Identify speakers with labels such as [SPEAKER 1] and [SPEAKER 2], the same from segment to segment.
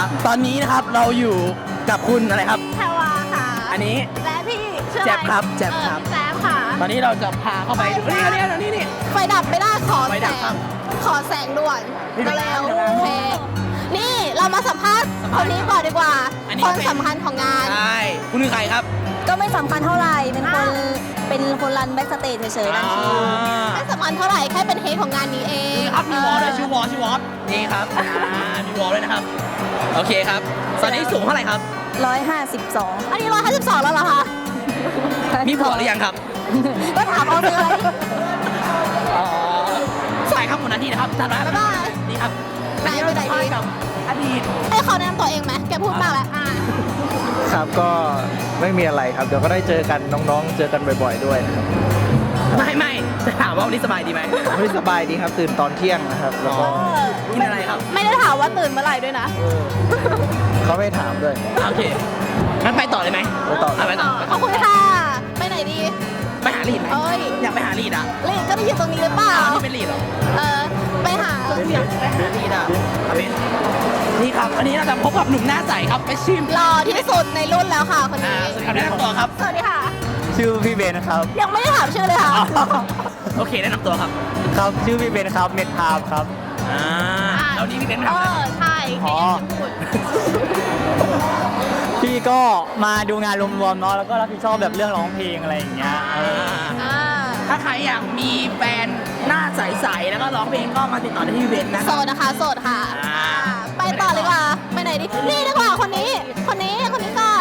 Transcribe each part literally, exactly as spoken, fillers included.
[SPEAKER 1] ตอนนี้นะครับเราอยู่กับคุณอะไรครับ
[SPEAKER 2] แพรวาค่ะ
[SPEAKER 1] อันนี้
[SPEAKER 2] และพี่ชื่ออะไร
[SPEAKER 1] แจ๊บครับแจ๊บครับ
[SPEAKER 2] เออแจ๊บค่ะ
[SPEAKER 1] ตอนนี้เราจะพาเข้าไปนี่นี่นี่นี่นี่
[SPEAKER 2] ไฟดับไม่ได้ขอ
[SPEAKER 1] ไฟ
[SPEAKER 2] แส
[SPEAKER 1] ดับครับ
[SPEAKER 2] งขอแสงด่วน
[SPEAKER 1] นี่
[SPEAKER 2] ก็แล้ว
[SPEAKER 1] นี่
[SPEAKER 2] โอเคนี่เรามาสัมภาษณ์คนนี้ก่อนดีกว่า
[SPEAKER 1] อันนี้
[SPEAKER 2] คน
[SPEAKER 1] เป็น
[SPEAKER 2] สำคัญของงาน
[SPEAKER 1] ใช่คุณคือใครครับ
[SPEAKER 3] ก็ไม่สำคัญเท่าไหร่ เป็นคน
[SPEAKER 2] อ้าว
[SPEAKER 3] เป็นคนรันแบ็กสเตจเฉยๆรันคิว
[SPEAKER 2] ไม่สำคัญเท่าไหร่แค่เป็นเฮดของงานนี้เอง
[SPEAKER 1] ครับมีวอลด้วยชื่อวอลชื่อวอลนี่ครับอ่ามีวอลด้วยนะครับโอเคครับตอนนี้สูงเท่าไหร่ครับ
[SPEAKER 3] ร้อยห้าสิบสอง
[SPEAKER 2] อันนี้ร้อยห้าสิบสองแล้วเหรอคะ
[SPEAKER 1] มีผัวหรือยังครับ
[SPEAKER 2] ก็ถามเอาเลย
[SPEAKER 1] อ๋อใช่ครับคุณนาทีนะครับท่าน
[SPEAKER 2] บ๊ายบาย
[SPEAKER 1] นี่ครับ
[SPEAKER 2] ไหนไปไหนดี
[SPEAKER 1] กับอดีต
[SPEAKER 2] ให้เขาแนะนำตัวเองไหมแกพูดมากแล้วอ่ะ
[SPEAKER 4] ครับก็ไม่มีอะไรครับ เดี๋ยวก็ได้เจอกันน้องๆ เจอกันบ่อยๆด้วยนะครับ
[SPEAKER 1] ไม่ไม่จะถามว่าวันนี้สบายดีไหม
[SPEAKER 4] ไม่สบายดีครับตื่นตอนเที่ยงนะครับ แล้วก็
[SPEAKER 1] กินอะไรครับ
[SPEAKER 2] ไม่ได้ถามว่าตื่นเมื่อไหร่ด้วยนะ
[SPEAKER 4] เขาไม่ถามด้วย
[SPEAKER 1] โอเคงั้นไปต่อเลยไหม
[SPEAKER 4] ไปต่อ
[SPEAKER 1] ะไปต่อ
[SPEAKER 2] ขอบคุณค่ะ ไปไหนดี
[SPEAKER 1] ไปหาลีดไหม
[SPEAKER 2] เอ้ย
[SPEAKER 1] อยากไปหาลีดอ่ะ
[SPEAKER 2] ลีดก็ได้อยู่ตรงนี้หรือเปล่า
[SPEAKER 1] อ้าวนี่เป็นลีดเหรอ
[SPEAKER 2] เออ ไปหา
[SPEAKER 1] อยากไปหาลีดอ่ะเอาเป็นนี่ครับวันนี้เราจะพบกับหนุ่มหน้าใสครับไปชิม
[SPEAKER 2] หล่อที่สุดในรุ่นแล้วค่ะคน
[SPEAKER 1] อ่า
[SPEAKER 2] นี้
[SPEAKER 1] สวัสดีครับแนะนำตัวครับ
[SPEAKER 2] สวัสดีค่ะ
[SPEAKER 4] ชื่อพี่เบนครับ
[SPEAKER 2] ยังไม่ได้ถามชื่อเลยค่ะ
[SPEAKER 1] โอเคแนะนำตัวครับ
[SPEAKER 4] ครับชื่อพี่เบนครับเน็ตพามครับ
[SPEAKER 1] อ่าแล้วนี่พี่เป็น
[SPEAKER 2] เอ
[SPEAKER 1] ทำอะไร
[SPEAKER 2] อ ใช่แค่ยังไม่พูด
[SPEAKER 4] พี่ก็มาดูงานรวมๆเนาะแล้วก็รับผิดชอบแบบเรื่องร้องเพลงอะไรอย่างเงี้ยเออ
[SPEAKER 2] อ่า
[SPEAKER 1] ถ้าใครอยากมีแฟนหน้าใสๆแล้วก็ร้องเพลงก็มาติดต่อได้ที่พี่เบนนะค
[SPEAKER 2] โส
[SPEAKER 1] รับ
[SPEAKER 2] ดนะคะ โสดค่ะ
[SPEAKER 1] อ่า
[SPEAKER 2] อ่าไปต่อเลยดีกว่า ไปไหนดี นี่ดีกว่าคนนี้ คนนี้ คนนี้ก่อน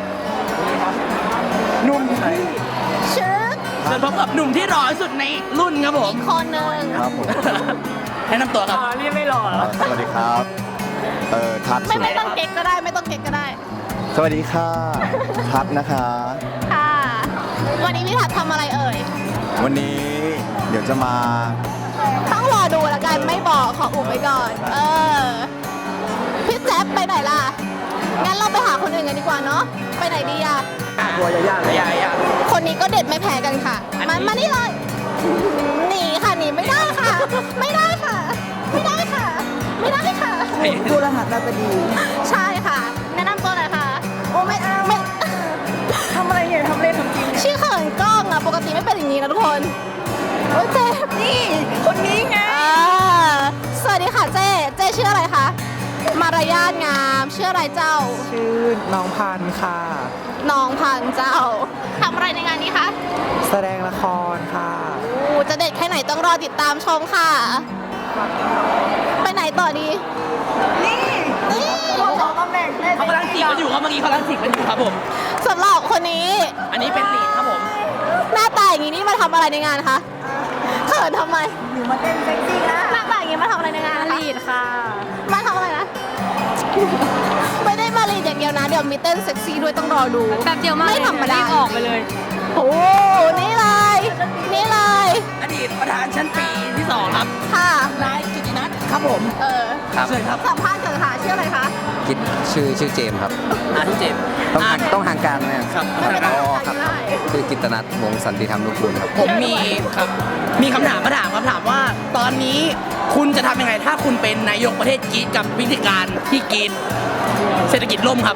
[SPEAKER 1] หนุ่ม
[SPEAKER 2] ชื่อ
[SPEAKER 1] จะพบกับหนุ่มที่หล่อที่สุดในรุ่นครับผม
[SPEAKER 2] อีกคนหนึ่ง
[SPEAKER 4] ครับผม
[SPEAKER 1] แนะนำตัวครับ
[SPEAKER 4] นี่ไม่หล่อสวัสดีครับ เอ่อทัศน์
[SPEAKER 2] ไม่
[SPEAKER 4] สุ
[SPEAKER 2] ไม่ต้องเก๊กก็ได้ ไม่ต้องเก๊กก็ได้
[SPEAKER 4] สวัสดีค่ะทัศน์นะคะ
[SPEAKER 2] ค่ะ วันนี้พี่ถัดทำอะไรเอ่ย
[SPEAKER 4] วันนี้เดี๋ยวจะมา
[SPEAKER 2] ต้องรอดูแล้วกันไม่บอกขออุบไว้ก่อน เออ พี่แจ๊บไปไหนล่ะ งั้นเราไปหาคนอื่นกันดีกว่าเนาะ ไปไหนดีอะ
[SPEAKER 1] ตัวยายาเลยยายา
[SPEAKER 2] คนนี้ก็เด็ดไม่แพ้กันค่ะ
[SPEAKER 1] อันนี้
[SPEAKER 2] มามานี่เลย หนีค่ะหนีไม่ได้ค่ะ ไม่ได้ค่ะ ไม่ได้ค่ะ ไม่ได้ค่ะ
[SPEAKER 3] ดูรหัสดาวดี
[SPEAKER 2] ใช่ค่ะ แนะนำตัวหน่อยค่ะ โอ้ไม่เอาไม่
[SPEAKER 3] ทำอะไรเนี่ยทำเล่นทำจริง
[SPEAKER 2] ชื่อเขินกล้องอะปกติไม่เป็นอย่างนี้นะทุกคนโอ้ยเจ๊
[SPEAKER 3] นี่คนนี้ไง
[SPEAKER 2] อ่าสวัสดีค่ะเจ๊เจ๊ชื่ออะไรคะ มารยาทงามชื่ออะไรเจ้า
[SPEAKER 4] ชื่อน้องพันธ์ค่ะ
[SPEAKER 2] น้องพันธุ์เจ้าทำอะไรในงานนี้คะ
[SPEAKER 4] แสดงละครค่ะ
[SPEAKER 2] โอ้จะเด็ดแค่ไหนต้องรอติดตามชมค่ะ ไปไหนต่อดี นี่ นี่
[SPEAKER 3] สองตำแหน่งได้
[SPEAKER 1] เขากำลังจีบกันอยู่ครับเมื่อกี้เขากำลังจีบกันอยู่ครับผม
[SPEAKER 2] สำหรับคนนี้
[SPEAKER 1] อันนี้เป็นลีดครับผม
[SPEAKER 2] หน้าตาอย่างนี้นี่มาทำอะไรในงานคะเขินทำไม
[SPEAKER 3] หนูมาเต้นเซ็กซี่นะ
[SPEAKER 2] หน้าตาอย่างนี้มาทำอะไรในงานคะ
[SPEAKER 3] ลีดค่ะ
[SPEAKER 2] มาทำอะไรนะ ไม่ได้มาลีดอย่างเดียวนะ เดี๋ยวมีเต้นเซ็กซี่ด้วยต้องรอดู
[SPEAKER 3] แบบเดียวมาก
[SPEAKER 2] ไม่ธรรมดา
[SPEAKER 3] รีบออกไปเลย
[SPEAKER 2] โอ้นี่เลย นี่เลย
[SPEAKER 1] อดีตประธานชั้นปีที่สองครับ
[SPEAKER 2] ค่ะ
[SPEAKER 1] นายกิตินัทครับผม
[SPEAKER 2] เออ
[SPEAKER 5] ครับ
[SPEAKER 1] เชิญครับ
[SPEAKER 2] สัมภาษณ์เกิดค่ะชื่ออะไรคะ
[SPEAKER 5] คิดชื่อชื่อเจมส์ครับ
[SPEAKER 1] อาที่เจ็ด
[SPEAKER 5] ต้องห่างต้องห่างกันเนี่ย
[SPEAKER 1] ครับ
[SPEAKER 2] ไม่เป็นไร
[SPEAKER 5] อ๋อ
[SPEAKER 2] ค่ะ
[SPEAKER 5] ครับ
[SPEAKER 2] ได้
[SPEAKER 5] ชื่อกิตนัทวงศ์สันติธรรมนุกูลครับ
[SPEAKER 1] ผมมีครับมีคำถามมาถามคำถามว่า ตอนนี้คุณจะทำยังไงถ้าคุณเป็นนายกประเทศกรีซกับวิธีการที่กรีซเศรษฐกิจล่มครับ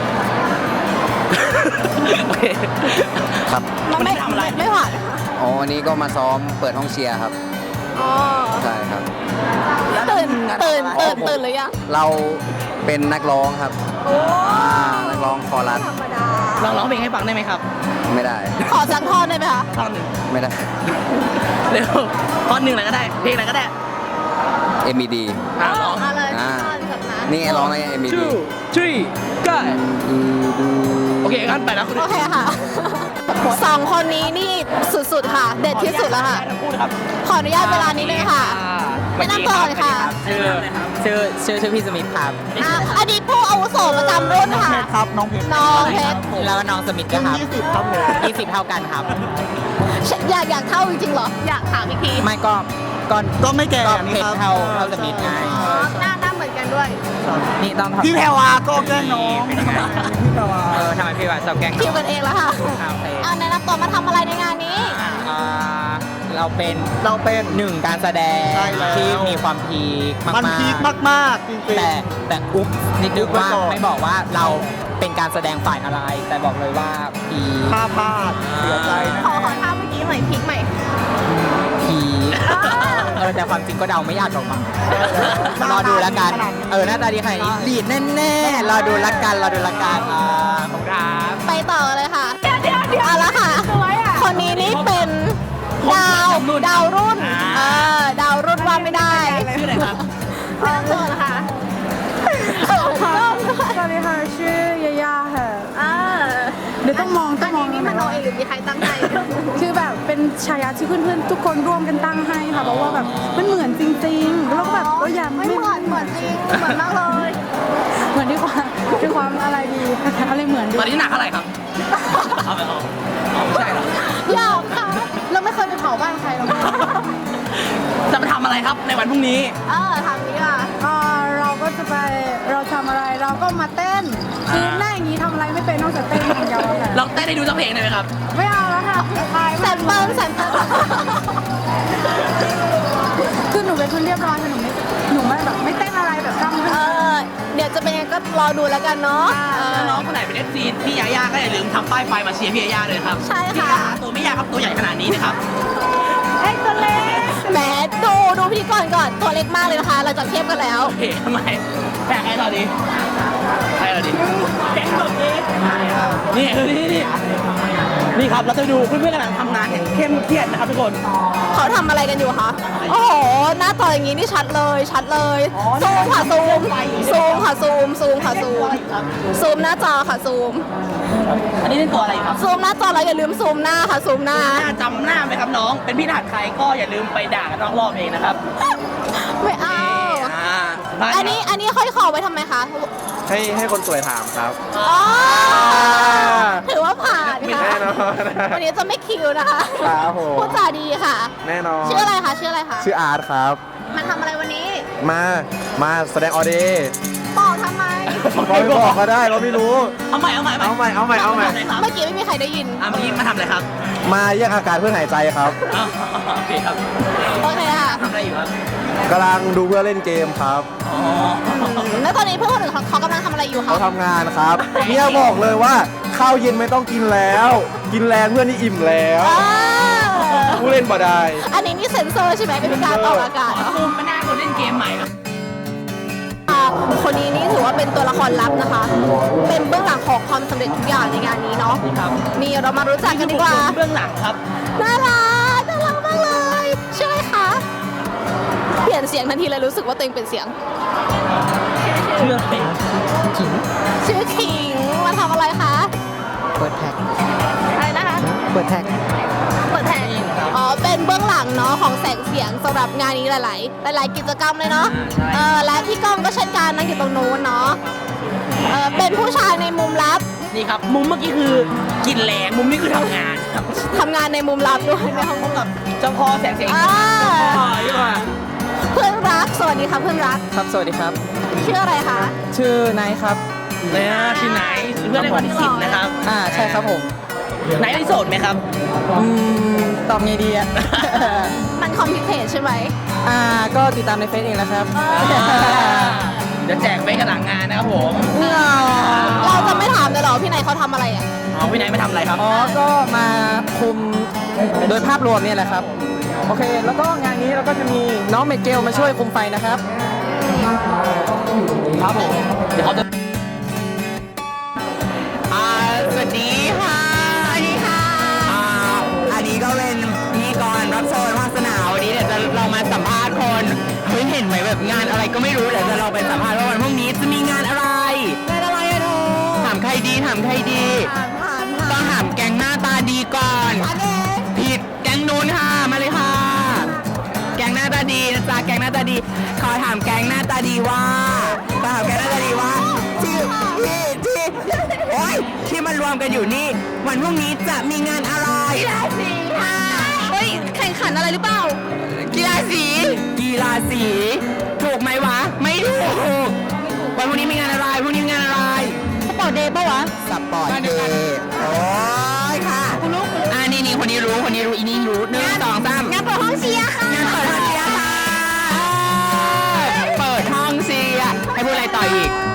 [SPEAKER 1] โอเค
[SPEAKER 5] ครับ
[SPEAKER 2] มันไม่
[SPEAKER 1] คุณทำอะไร
[SPEAKER 2] ไม่หวาน
[SPEAKER 5] อ๋อวันนี้ก็มาซ้อมเปิดห้องเชียร์ครับ
[SPEAKER 2] อ๋อ
[SPEAKER 5] ใช่ครับ
[SPEAKER 2] ตื่นตื่นตื่นตื่นหรือยัง
[SPEAKER 5] เราเป็นนักร้องครับอ่านักร้องคอรัส
[SPEAKER 1] ลองร้องเพลงให้ฟังได้ไหมครับ
[SPEAKER 5] ไม่ได้
[SPEAKER 2] ขอสักท่อนได้ไหมคะ
[SPEAKER 1] ท่อนหนึ่ง
[SPEAKER 5] ไม่ได้
[SPEAKER 1] เร็วท่อนหนึ่งอะไรก็ได้ เพลงอะไรก็ได้
[SPEAKER 5] เอ็ม ดี
[SPEAKER 1] อ่ะร้อง
[SPEAKER 2] มาเลย
[SPEAKER 5] อ่า
[SPEAKER 2] ท่อนแบบนั้น
[SPEAKER 5] นี่ร้องใน เอ็ม ดี
[SPEAKER 1] two three go โอเคงั้นไปแล้วคุณ
[SPEAKER 2] โอเคค่ะ สองคนนี้นี่สุดๆค่ะ เด็ดที่สุดแล้วค่ะ
[SPEAKER 1] ทั้งคู่นะครับ
[SPEAKER 2] ขออนุญาตเวลานิดนึงค่ะ แนะนำตัวหน่อยค่ะ
[SPEAKER 1] ชื่อ
[SPEAKER 4] ชื่อชื่อชื่อพี่สมิธครับ
[SPEAKER 2] อ่ะอดีตผู้อาวุโสประจำรุ่นค่ะ
[SPEAKER 4] ครับน้องเพชร
[SPEAKER 2] น้องเพชร
[SPEAKER 4] แล้วก็น้องสมิธครับยี่สิบครับผมยี่สิบเท่ากันครับ
[SPEAKER 2] อยากอยากเท่าจริงๆเหรอ อยากถามอีกที
[SPEAKER 4] ไม่ก็ก็ก็ไม่แก่ก็เพชรเท่าเท่าสมิธไง
[SPEAKER 2] อ๋อหน้าหน้าเหมือนกันด้วย
[SPEAKER 4] นี่ต้องพี่แพรวาก็แกล้งน้องพี่แพรวาเออทำไมพี่วาชอบแกล้ง
[SPEAKER 2] คิวกันเองแล้วค่ะ
[SPEAKER 4] ครับเต้
[SPEAKER 2] เอาแนะนำตัวมาทำอะไรในงานนี้
[SPEAKER 4] อ่า
[SPEAKER 6] เราเป็น
[SPEAKER 4] เราเป็น
[SPEAKER 6] หนึ่งการแสดง
[SPEAKER 4] ใช่แล้ว
[SPEAKER 6] ที่มีความพีคมากๆ
[SPEAKER 4] มันพีคมากๆจริงๆ
[SPEAKER 6] แต่แต่อุ๊บนิดนึง
[SPEAKER 4] อุ๊บไว้
[SPEAKER 6] ว่า
[SPEAKER 4] ก่อน
[SPEAKER 6] ไม่บอกว่าเราเป็นการแสดงฝ่ายอะไร แต่บอกเลยว่าพีค
[SPEAKER 4] พลาดพลาดเสียใจนะ
[SPEAKER 2] ขอขอท่าเมื่อกี้หน่อยพลิกใหม่
[SPEAKER 6] พีคเออแต่ความจริงก็เดาไม่ยากหรอกมั้งรอดูแล้วกันเออหน้าตาดีขนาดนี้ลีดแน่ๆรอดูละกันรอดูละกันอ่าขอบคุณครับ
[SPEAKER 2] ไปต่อเลยค่ะ เดี๋ยวเดี๋ยวเดี๋ยวเอาละค่ะ คนนี้นี่เป็นดาวดาวรุ่น เออ ดาวรุ่นว่าไม่ได้
[SPEAKER 1] ชื่ออะไรครับ
[SPEAKER 2] เริ่มต้นนะคะ
[SPEAKER 3] สวัสดีค่ะชื่อยาย่าค่ะ
[SPEAKER 2] เออ
[SPEAKER 3] เดี๋ยวต้องมองต้
[SPEAKER 2] อั
[SPEAKER 3] อน งมอ
[SPEAKER 2] นี้
[SPEAKER 3] ง
[SPEAKER 2] นี่มโนเองหรือมีใครตั้งใจ
[SPEAKER 3] คือแบบเป็นฉายาที่เพื่อนๆทุกคนร่วมกันตั้งให้ค่ะเพราะว่าแบบมันเหมือนจริงๆแล้วก็แบบก็อยาก
[SPEAKER 2] ไม่เหมือนเหมือนจริง เหมือนมากเลย
[SPEAKER 3] เหมือนด้วยความด้วยความอะไรดีอะไรเหมือนด้
[SPEAKER 1] ตอ
[SPEAKER 3] วน ย
[SPEAKER 1] นี้หนักเท่าไหร่ครับเอาไปเอาเอาไม่ใช่หรอ
[SPEAKER 2] หยอกค่ะ เราไม่เคยไปเผาบ้านใครหรอก
[SPEAKER 1] จะไปทำอะไรครับในวันพรุ่งนี้
[SPEAKER 2] เออทำนี้ค่ะ
[SPEAKER 3] อ่าเราก็จะไปเราทำอะไรเราก็มาเต้นคือหน้าอย่างนี้ทำอะไรไม่เป็นนอกจากเต้นอย่างเดียวอะค่ะ
[SPEAKER 1] ลองเต้นให้ดูสักเพลงได้ไหมครับ
[SPEAKER 3] ไม่เอาแล้วค่ะอาย
[SPEAKER 2] แซ
[SPEAKER 3] มาก
[SPEAKER 2] มเปิลแซมเปิล
[SPEAKER 3] คือหนูเป็นคนเรียบร้อยค่ะหนูไม่หนูไม่แบบไม่เต้นอะไรแบบทำ
[SPEAKER 2] เออ เดี๋ยวจะเป็นยังไงก็รอดูแล้วกันเนาะเออ
[SPEAKER 1] น้องๆคนไหนเป็น เอฟ ซี พี่ยาย่าก็อย่าลืมทำป้ายไฟมาเชียร์พี่ยาย่าเลยนะครับ
[SPEAKER 2] ใช่ค่ะ
[SPEAKER 1] พี่ยาตัวไม่ยากครับตัวใหญ่ขนาดนี้นะครับ
[SPEAKER 3] ไอ้ตัวเล็ก
[SPEAKER 2] แหมดูดูพิธีกรก่อนตัวเล็กมากเลยนะคะ เราจะเทียบกันแล้ว
[SPEAKER 1] โอเคทำไมแปลกไงต่อดีใครต่อดีแก๊งตัวเองนี่นี่นี่นี่ครับเราจะไปดูเพื่อนๆกำลังทำงานอย่างเข้มเครียดนะครับทุกคน
[SPEAKER 2] เขาทำอะไรกันอยู่คะ โอ้โห หน้าต่ออย่างนี้นี่ชัดเลย ชัดเลย ซูมค่ะซูม ซูมค่ะซูม ซูมค่ะซูม ซูมหน้าจอค่ะซูม
[SPEAKER 1] อันนี้เป็นตัวอะไรครับ
[SPEAKER 2] ซูมหน้าจอแล้วอย่าลืมซูมหน้าค่ะซูมหน้า
[SPEAKER 1] หน้าจำหน้าไหมครับน้อง เป็นพี่ทหารใครก็อย่าลืมไปด่ากันนอกรอบเองนะครับ
[SPEAKER 2] ไม่เอา
[SPEAKER 1] อ่าบ้า
[SPEAKER 2] อันนี้อันนี้ห้อยคอไว้ทำไมคะ
[SPEAKER 4] ให้ให้คนสวยถามครับ
[SPEAKER 2] อ๋อถือว่าผ่านค่ะ
[SPEAKER 4] แน่นอน
[SPEAKER 2] วันนี้จะไม่คิวนะคะ
[SPEAKER 4] ครับผม
[SPEAKER 2] พูดจาดีค่ะ
[SPEAKER 4] แน่นอน
[SPEAKER 2] ชื่ออะไรคะ ชื่ออะไรคะ
[SPEAKER 4] ชื่ออาร์ตครับ
[SPEAKER 2] มันทำอะไรวันนี้
[SPEAKER 4] มา มาแสดงออเดย์
[SPEAKER 2] บอกทำไม
[SPEAKER 4] บอกไม่บอกก็ได้เราไม่รู้
[SPEAKER 1] เอาใหม่เอาใหม่
[SPEAKER 4] เอาใหม่เอาใหม่เอาใหม่
[SPEAKER 1] ทำอะไรครับ
[SPEAKER 2] เมื่อกี้ไม่มีใครได้ยิน
[SPEAKER 1] อ่ะเมื่อกี้มาทำอะไรครับ
[SPEAKER 4] มาแยกอากาศเพื่อหายใจครับ
[SPEAKER 1] อ๋อโอเคครับ
[SPEAKER 2] โอเคค่ะ
[SPEAKER 1] ทำอะไรอยู่ครับ
[SPEAKER 4] กำลังดูเพื่อเล่นเกมครับ
[SPEAKER 1] อ๋อ
[SPEAKER 2] แล้วตอนนี้เพื่อนคนอื่นเขาเขากำลังทำอะไรอยู่คะ
[SPEAKER 4] เขาทำงานครับเนี่ยบอกเลยว่าข้าวเย็นไม่ต้องกินแล้ว กินแรงเพื่อนนี่อิ่มแล้ว
[SPEAKER 2] อ่า
[SPEAKER 4] ผู้เล่นบ่ได้
[SPEAKER 2] อันนี้นี่เซ็นเซอร์ใช่ไหมเป็นการออกอากาศ
[SPEAKER 1] ขอ
[SPEAKER 2] เหรอ
[SPEAKER 1] ซูมมาหน้าคนเล่นเกมใหม่ครับ
[SPEAKER 2] คนนี้นี่ถือว่าเป็นตัวละครลับนะคะ เป็นเบื้องหลังของความสำเร็จทุกอย่างในงานนี้เนาะ
[SPEAKER 1] ครับ
[SPEAKER 2] นี่เรามารู้จักกันดีกว่า
[SPEAKER 1] เบื้องหลังครับ
[SPEAKER 2] น่ารัก น่ารักมากเลยชื่ออะไรคะ เปลี่ยนเสียงทันทีเลยรู้สึกว่าตัวเองเป็นเสียง
[SPEAKER 1] เชื่อเป็น
[SPEAKER 2] ชื่อขิง มาทำอะไรคะ
[SPEAKER 6] เปิดแท็ก
[SPEAKER 2] อะไรนะคะ
[SPEAKER 6] เปิดแท็ก
[SPEAKER 2] เปิดแทนอ๋อ เป็นเบื้องหลังเนาะของแสงเสียงสำหรับงานนี้หลาย ๆ หลาย ๆ กิจกรรมเลยเนาะ เออ และพี่ก้องก็เช่นกันนั่งอยู่ตรงนู้นเนาะ เออ เป็นผู้ชายในมุมลับ
[SPEAKER 1] นี่ครับ มุมเมื่อกี้คือกินแรงมุมนี้คือทำงานครับ
[SPEAKER 2] ทำงานในมุมลับด้วยในห้อง
[SPEAKER 1] พบกับเจ้าพ่อแสงเสียง
[SPEAKER 2] อ่า
[SPEAKER 1] พ่อดีกว่า
[SPEAKER 2] เพื่อนรัก สวัสดีค่ะเพื่อนรัก
[SPEAKER 6] ครับสวัสดีครับ
[SPEAKER 2] ชื่ออะไรคะ
[SPEAKER 6] ชื่อนายครับ
[SPEAKER 1] เนี่ยที่ไหนเพื่อนในวันที่สิบนะครับ
[SPEAKER 6] อ่าใช่ครับผม
[SPEAKER 1] ไหนได้โสดไหมครับ
[SPEAKER 6] อืมตอบไงดีอ่ะ
[SPEAKER 2] มันคอมพิวเตอร์ใช่ไหม
[SPEAKER 6] อ่าก็ติดตามในเฟซเองนะครับ
[SPEAKER 1] เดี๋ยวแจกไปกันหลังงานนะครับผม
[SPEAKER 2] เราจะไม่ถามเลยเหรอพี่นายเขาทำอะไรอ่ะ
[SPEAKER 1] อ๋อพี่ไหนไม่ทำอะไรครับ
[SPEAKER 6] อ๋อ ก็มาคุมโดยภาพรวมเนี่ยแหละครับ โอเค แล้วก็งานนี้เราก็จะมีน้องเมเกลมาช่วยคุมไฟนะครับ
[SPEAKER 1] ครับผม เดี๋ยวเขาจะ
[SPEAKER 6] อ่าสวัสดีค่ะ
[SPEAKER 2] สวัสดีค่ะ
[SPEAKER 6] อ่าอันนี้ก็เป็นพิธีกรรับเชิญวาสนาวันนี้เดี๋ยวจะเรามาสัมภาษณ์คนเฮ้ยเห็นไหมแบบงานอะไรก็ไม่รู้เดี๋ยวจะเราไปสัมภาษณ์ว่าวันพรุ่งนี้จะมีงานอะไร
[SPEAKER 2] งานอะไรอะเธอ
[SPEAKER 6] ถามใครดีถามใครดี
[SPEAKER 2] ผ่านผ่าน
[SPEAKER 6] ต้
[SPEAKER 2] ผ่า
[SPEAKER 6] อน งถามแก๊งหน้าตาดีก่อน
[SPEAKER 2] อันเอง
[SPEAKER 6] ผิดแก๊งนู้นค่ะมาเลยค่ะ แก๊งหน้าตาดีนะจ๊ะแก๊งหน้าตาดี ขอถามแก๊งหน้าตาดีว่าขอถามแก๊งหน้าตาดีว่าที่ที่ที่โอ๊ยที่มารวมกันอยู่นี่ วันพรุ่งนี้จะมีงานอะไร
[SPEAKER 2] กีฬาสีค่ะเฮ้ย แข่งขันอะไรหรือเปล่า
[SPEAKER 6] กีฬาสี กีฬาสี ถูกไหมวะ ไม่ถูก วันพรุ่งนี้มีงานอะไรพรุ่งนี้มีงานอะไร
[SPEAKER 2] สปอร์ตเดย์ปะวะ
[SPEAKER 6] สปอร์ตเดย์โอ้ยค่ะ
[SPEAKER 2] คุณรู้คุณรู้
[SPEAKER 6] อ่านี่นี่คนนี้รู้คนนี้รู้อีนี่รู้หนึ่งสองสาม
[SPEAKER 2] งั้นเปิดองเชียร์ค่ะ
[SPEAKER 6] งานเปิดห้องเชียร์ค่ะเปิดห้องเชียร์ให้พูดอะไรต่ออีก